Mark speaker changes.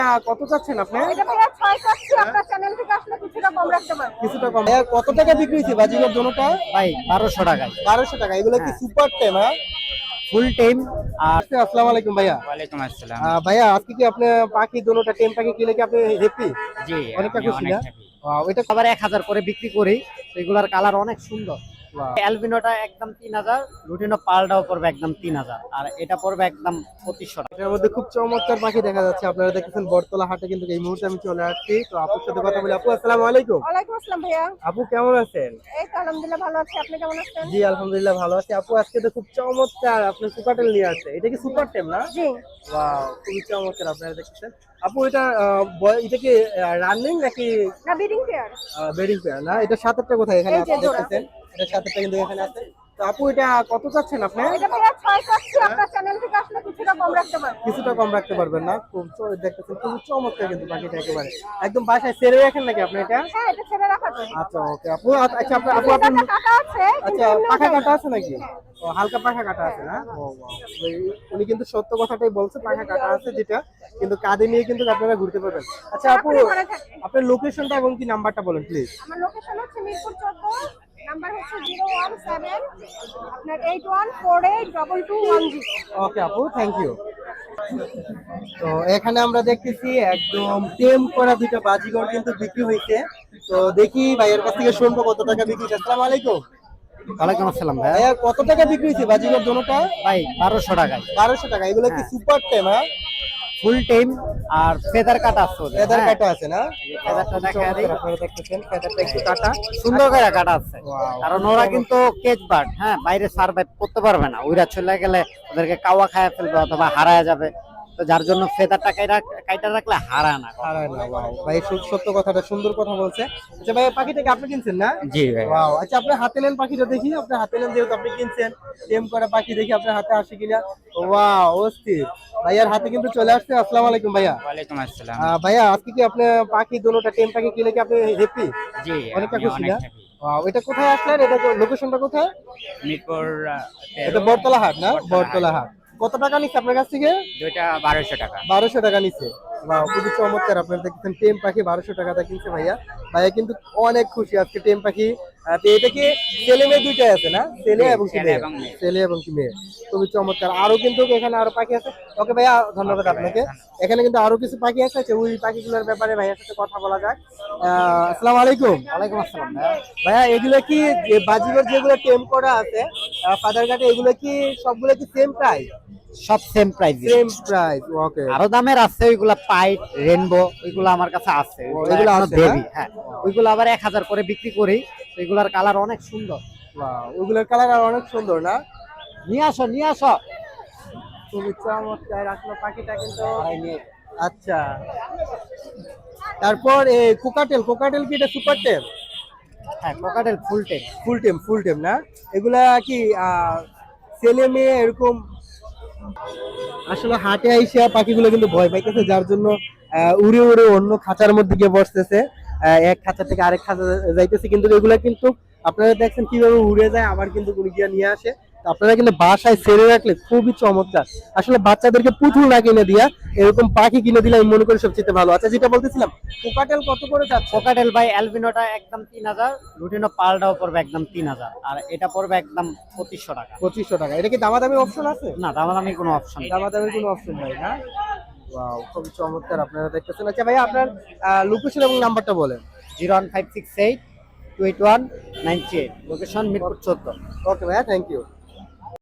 Speaker 1: কত চাচ্ছেন আপনি?
Speaker 2: এটা ভাইয়া 6 চাচ্ছি, আপনার চ্যানেল থেকে আসলে কিছুটা কম রাখতে পারবো।
Speaker 1: কিছুটা কম। ভাইয়া কত টাকা বিক্রি হইছে বাজিগর দোনোটা?
Speaker 3: ভাই 1200 টাকায়।
Speaker 1: 1200 টাকা। এগুলো কি সুপার টেম? হ্যাঁ,
Speaker 3: ফুল টাইম। আর
Speaker 1: আসসালামু আলাইকুম ভাইয়া।
Speaker 3: ওয়ালাইকুম আসসালাম।
Speaker 1: ভাইয়া আজকে কি আপনি পাখি দোনোটা টেম পাখি কিনে কি আপনি হ্যাপি?
Speaker 3: জি,
Speaker 1: অনেকটা
Speaker 3: আমি
Speaker 1: খুশি
Speaker 3: অনেক
Speaker 1: না?
Speaker 3: হ্যাপি।
Speaker 1: এটা
Speaker 3: আবার 1000 করে বিক্রি করি। এগুলার কালার অনেক সুন্দর।
Speaker 1: বাহ।
Speaker 3: অ্যালবিনোটা একদম 3000, লুটিনো পালটাও পড়বে একদম 3000, আর এটা পড়বে একদম 2500 টাকা।
Speaker 1: এটার মধ্যে খুব চমৎকার পাখি দেখা যাচ্ছে। আপনারা দেখতেছেন বটতলা হাটে কিন্তু এই মুহূর্তে আমি চলে আসছি। তো আপুর সাথে কথা বলি। আপু আসসালামু আলাইকুম।
Speaker 2: ওয়ালাইকুম আসসালাম ভাইয়া।
Speaker 1: আপু কেমন আছেন?
Speaker 2: এই তো আলহামদুলিল্লাহ ভালো আছি, আপনি কেমন আছেন?
Speaker 1: জি আলহামদুলিল্লাহ ভালো আছি। আপু আজকে তো খুব চমৎকার আপনি সুপারটেল নিয়ে আসছে। এটা কি সুপার টেম না?
Speaker 2: জি।
Speaker 1: ওয়াও, খুবই চমৎকার আপনারা দেখতেছেন। আপু এটা এটা কি রানিং নাকি
Speaker 2: না, বিডিং পেয়ার।
Speaker 1: বেডিং পেয়ার না? এটা সাতেরটা কোথায় এখানে
Speaker 2: এই যে
Speaker 1: আপনি
Speaker 2: জোড়া।
Speaker 1: দেখতেছেন? এটা সাতেরটা কিন্তু এখানে আছে। তো আপু এটা কত চাচ্ছেন আপনি?
Speaker 2: এটা ভাইয়া 6 চাচ্ছি, আপনার চ্যানেল থেকে আসলে কিছুটা কম রাখতে পারবো।
Speaker 1: কিছুটা কম রাখতে পারবেন না? খুব দেখতেছেন খুবই চমৎকার কিন্তু পাখিটা একেবারে। একদম বাসায় ছেড়ে রাখেন নাকি আপনি এটা?
Speaker 2: হ্যাঁ, এটা ছেড়ে রাখা যায়।
Speaker 1: আচ্ছা ওকে আপু। আচ্ছা আপু
Speaker 2: এটা কাটা আছে,
Speaker 1: আচ্ছা
Speaker 2: কিন্তু
Speaker 1: পাখা
Speaker 2: এমনিও
Speaker 1: কাটা
Speaker 2: যায়।
Speaker 1: আছে নাকি? ও হালকা পাখা কাটা আছে না? ও বাহ। উনি কিন্তু সত্য কথাটাই বলছে, পাখা কাটা আছে যেটা, কিন্তু কাঁধে নিয়ে কিন্তু আপনারা ঘুরতে পারবেন। আচ্ছা আপু
Speaker 2: আপনি ঘরে থাকেন।
Speaker 1: আপনার লোকেশনটা এবং কি নাম্বারটা বলেন প্লিজ।
Speaker 2: আমার লোকেশন হচ্ছে মিরপুর 14, নাম্বার হচ্ছে 017 আপনার 81482210।
Speaker 1: ওকে আপু, থ্যাংক ইউ। তো এখানে আমরা দেখতেছি একদম টেম করা দুইটা বাজিগর কিন্তু বিক্রি হয়েছে। তো দেখি ভাইয়ের কাছ থেকে শুনবো কত টাকা বিক্রি হয়েছে। আসসালামু আলাইকুম।
Speaker 3: ওয়ালাইকুম আসসালাম ভাই।
Speaker 1: ভাইয়া কত টাকা বিক্রি হয়েছে বাজিগর দোনোটা?
Speaker 3: ভাই 1200 টাকায়।
Speaker 1: 1200 টাকা। এগুলো কি সুপার টেম? হ্যাঁ,
Speaker 3: ফুল টাইম আর ফেদার কাটা আছে ওদের।
Speaker 1: ফেদার
Speaker 3: হ্যাঁ,
Speaker 1: কাটা আছে না?
Speaker 3: ফেদারটা দেখা দেই।
Speaker 1: আপনারা দেখতেছেন ফেদারটা একটু কাটা।
Speaker 3: সুন্দর করে কাটা আছে।
Speaker 1: Wow.
Speaker 3: কারণ ওরা কিন্তু কেজ বার্ড, হ্যাঁ, বাইরে সার্ভাইভ করতে পারবে না। ওইরা চলে গেলে ওদেরকে কাওয়া খায় ফেলবে অথবা হারায় যাবে। তো যার জন্য ফেদারটা কাইটা রাখলে হারায় না।
Speaker 1: হারায় না। ওয়াও ভাই, সত্য কথাটা, সুন্দর কথা বলছে। আচ্ছা ভাই, পাখিটাকে আপনি কিনছেন না?
Speaker 3: জি ভাই।
Speaker 1: ওয়াও। আচ্ছা আপনি হাতে নেন পাখিটা দেখি। আপনি হাতে নেন যেহেতু আপনি কিনছেন, টেম করা পাখি দেখি আপনার হাতে আসে কিনা। ওয়াও, অস্থির। ভাইয়ার হাতে কিন্তু চলে আসছে। আসসালামু আলাইকুম ভাইয়া।
Speaker 3: ওয়ালাইকুম আসসালাম।
Speaker 1: ভাইয়া আজকে কি আপনি পাখি দোনোটা টেম পাখি কিনে কি আপনি হ্যাপি?
Speaker 3: জি,
Speaker 1: অনেকটা
Speaker 3: আমি
Speaker 1: খুশি
Speaker 3: অনেক
Speaker 1: না?
Speaker 3: হ্যাপি।
Speaker 1: ওয়াও, এটা কোথায় আসলেন? এটা লোকেশনটা কোথায়?
Speaker 3: মিরপুর
Speaker 1: এটা বটতলা হাট না? বটতলা হাট। কত টাকা নিচ্ছে আপনার কাছ থেকে?
Speaker 3: দুইটা 1200 টাকা।
Speaker 1: 1200 টাকা নিচ্ছে। বাহ, খুবই চমৎকার। আপনারা দেখতেছেন টেম পাখি 1200 টাকাটা কিনছে ভাইয়া। ভাইয়া কিন্তু অনেক খুশি আজকে টেম পাখি। তো এটা কি ছেলে মেয়ে দুইটাই আছে না? ছেলে এবং কি মেয়ে? ছেলে এবং কি মেয়ে। খুবই চমৎকার। আরো কিন্তু এখানে আরো পাখি আছে। ওকে ভাইয়া, ধন্যবাদ আপনাকে। এখানে কিন্তু আরো কিছু পাখি আছে। ওই পাখিগুলোর ব্যাপারে ভাইয়ার সাথে কথা বলা যাক। আসসালামু আলাইকুম।
Speaker 3: ওয়ালাইকুম আসসালাম ভাই।
Speaker 1: ভাইয়া এগুলো কি যে বাজিগর যেগুলো টেম করা আছে ফাদার কাটে, এগুলো কি সবগুলো কি সেম প্রাইস?
Speaker 3: সব same price.
Speaker 1: Same price. Okay.
Speaker 3: আরো দামের আছে, ওইগুলা পাইট, রেনবো, ওইগুলো আমার কাছে আছে।
Speaker 1: ওইগুলো আছে না?
Speaker 3: বেবি, হ্যাঁ, ওইগুলো আবার 1000 করে বিক্রি করি। ওইগুলার কালার অনেক সুন্দর।
Speaker 1: ওয়াও, ওগুলোর কালার আর অনেক সুন্দর না?
Speaker 3: নিয়ে আসো, নিয়ে আসো।
Speaker 1: খুবই চমৎকার আসলে পাখিটা কিন্তু। আচ্ছা, তারপর কোকাটেল কি এটা সুপার টেম?
Speaker 3: হ্যাঁ, কোকাটেল ফুল টেম।
Speaker 1: ফুল টেম না? এগুলা কি ছেলে মেয়ে এরকম? আসলে হাটে আইসা পাখিগুলো কিন্তু ভয় পাইতেছে, যার জন্য উড়ে উড়ে অন্য খাঁচার মধ্যে গিয়ে বসতেছে। এক খাঁচা থেকে আরেক খাঁচা যাইতেছে, কিন্তু এগুলা কিন্তু আপনারা দেখছেন কিভাবে উড়ে যায়, আবার কিন্তু গিয়ে নিয়ে আসে। তো আপনারা কিন্তু বাসায় ছেড়ে রাখলে খুবই চমৎকার। আসলে বাচ্চাদেরকে পুতুল না কিনে দিয়া এরকম পাখি কিনে দিলে আমি মনে করি সবচেয়ে ভালো। আচ্ছা, যেটা বলতেছিলাম, কোকাটেল কত করে যাচ্ছে?
Speaker 3: কোকাটেল ভাই অ্যালবিনোটা একদম 3000, লুটিনো পালটাও পড়বে একদম 3000, আর এটা পড়বে একদম 2500 টাকা।
Speaker 1: 2500 টাকা। এটা কি দামাদামি অপশন আছে?
Speaker 3: না, দামাদামি কোনো অপশন নেই।
Speaker 1: দামাদামির কোনো অপশন নাই না? ওয়াও, খুবই চমৎকার আপনারা দেখতেছেন। আচ্ছা ভাই, আপনার লোকেশন এবং নাম্বারটা বলেন।
Speaker 3: 01568 281 938, লোকেশন মিরপুর 14।
Speaker 1: ওকে ভাইয়া, থ্যাংক ইউ।